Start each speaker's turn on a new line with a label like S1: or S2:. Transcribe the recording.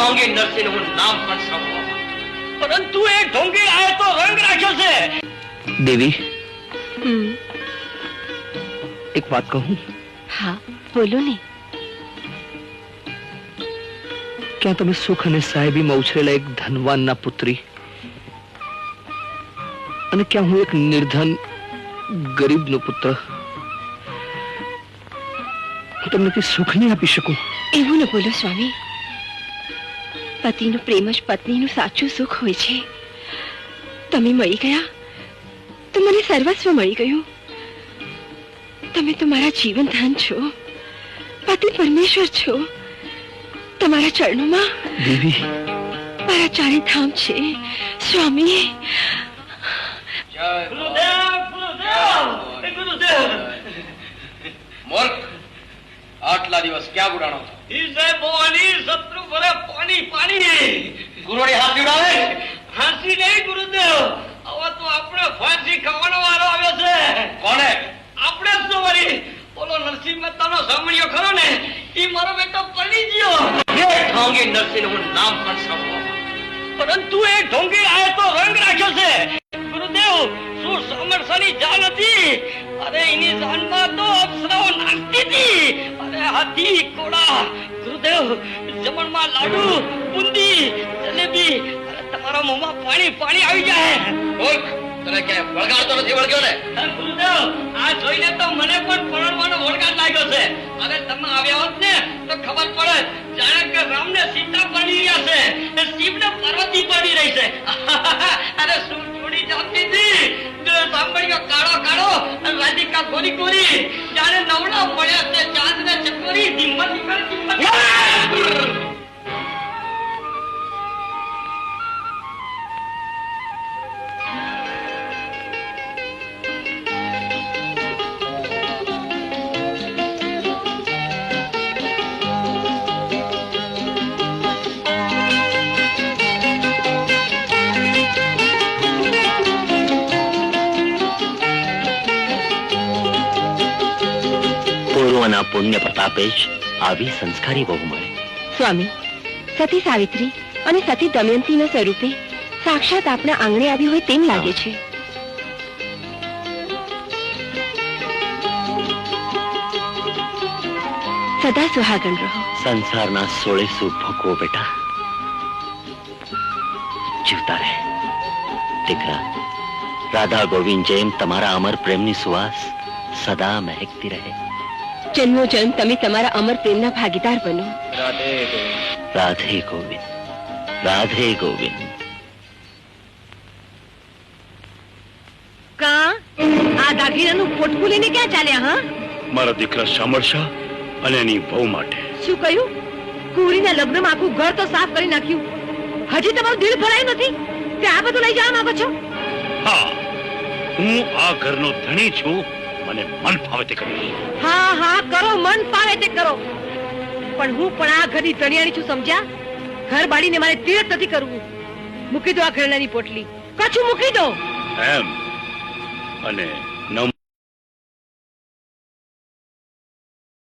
S1: ઢોંગી નરસિંહ હું નામ પણ સાંભળવા, પરંતુ એ ઢોંગી આએ તો રંગ રાખ્યો છે.
S2: દેવી, એક વાત કહું?
S3: હા, બોલો ને.
S2: ક્યાં તમે સુખ અને સાહેબીમાં ઉછરેલા એક ધનવાનના પુત્રી, અને ક્યાં હું એક નિર્ધન ગરીબનો પુત્ર, હું તમને કઈ સુખ નહીં આપી શકું?
S3: એવું ન બોલો સ્વામી. પતિનો પ્રેમ જ પત્નીનું સાચું સુખ હોય છે. તમે મળી ગયા તો મને સર્વસ્વ મળી ગયું. તમે તો મારા જીવન ધન છો, પતિ પરમેશ્વર છો. તમારા ચરણોમાં
S2: દેવી
S3: મારા ચારે ધામ છે સ્વામી.
S1: મૂર્ખ, આટલા દિવસ ક્યાં ગુડાણો? શત્રુ ભરે પાણી પાણી. ગુરુની હાથ ઉડાવે? હાંસી નહીં ગુરુદેવ, હવે તો આપણે ફાંસી ખાવાનો વારો આવ્યો છે. કોને? આપણે જ તો વળી. બોલો નરસિંહ મહેતાનો સાંભળ્યો ખરો ને, એ મારો બેટો પડી ગયો. એ ઢોંગી નરસિંહ હું નામ પણ સાંભળવા, પરંતુ એ ઢોંગી આએ તો રંગ રાખ્યો છે. ગુરુદેવ, શું સામરસાની જાન હતી? અરે એની જાનમાં તો અપ્સરાઓ નાચતી હતી. અરે હાથી ઘોડા. ગુરુદેવ, જમણમાં લાડુ, બુંદી, જલેબી. અરે તમારા મોંમાં પાણી પાણી આવી જાય. મૂર્ખ, તને કે વળગાડતો નથી વળગ્યો ને? ગુરુદેવ, આ જોઈને તો મને પણ પરણવાનો વળગાડ લાગ્યો છે. અરે તમે આવ્યા હોત ને તો ખબર પડે, જાણે કે રામને સીતા પરણી રહ્યા છે, શિવને પાર્વતી પરણી રહી છે. અરે શું જોડી જામતી હતી. સાંભળ્યો કાળો કાળો, રાધિકા ગોરી ગોરી. જાણે નવડા પડ્યા છે ચાંદ ને ચકોરી. ધીમત નીકળ.
S4: પૂર્વના પુણ્ય પ્રતાપે જ આવી સંસ્કારી બહુ મળે.
S3: સ્વામી, સતી સાવિત્રી અને સતી દમયંતીના સ્વરૂપે સાક્ષાત આપણા આંગણે આવી હોય તેમ લાગે છે. સદા સુહાગણ રહો.
S4: સંસારના 16 સુખ ભોગવો બેટા. જીવતા રહે દીકરા. રાધા ગોવિંદ જેમ તમારા અમર પ્રેમની સુવાસ સદા મહેકતી રહે.
S3: જન્મો જન્મ તમે તમારા અમર પ્રેમના ભાગીદાર બનો.
S4: રાધે ગોવિંદ, રાધે ગોવિંદ.
S3: કા આ દાગીનાનું પોટકું લઈને ક્યાં ચાલ્યા? હા,
S5: મારા દીકરા શામળશા અને એની વહુ માટે.
S3: શું કહ્યું? કુંવરીના લગ્નમાં આખું ઘર તો સાફ કરી નાખ્યું, હજી તમારું દિલ ભરાયું નથી તે આ બધું લઈ જવા માંગો છો?
S5: હા, હું આ ઘરનો ધણી છું. મને મન ફાવે તે કરીશ.
S3: હા હા કરો, મન ફાવે તે કરો, પણ હું પણ આ ઘરની ધણિયાણી છું, સમજ્યા? ઘર બાળીને મારે તીર્થ નથી કરવું. મૂકી દો આ ઘરેણાની પોટલી, કછું મૂકી દો.
S5: એમ? અને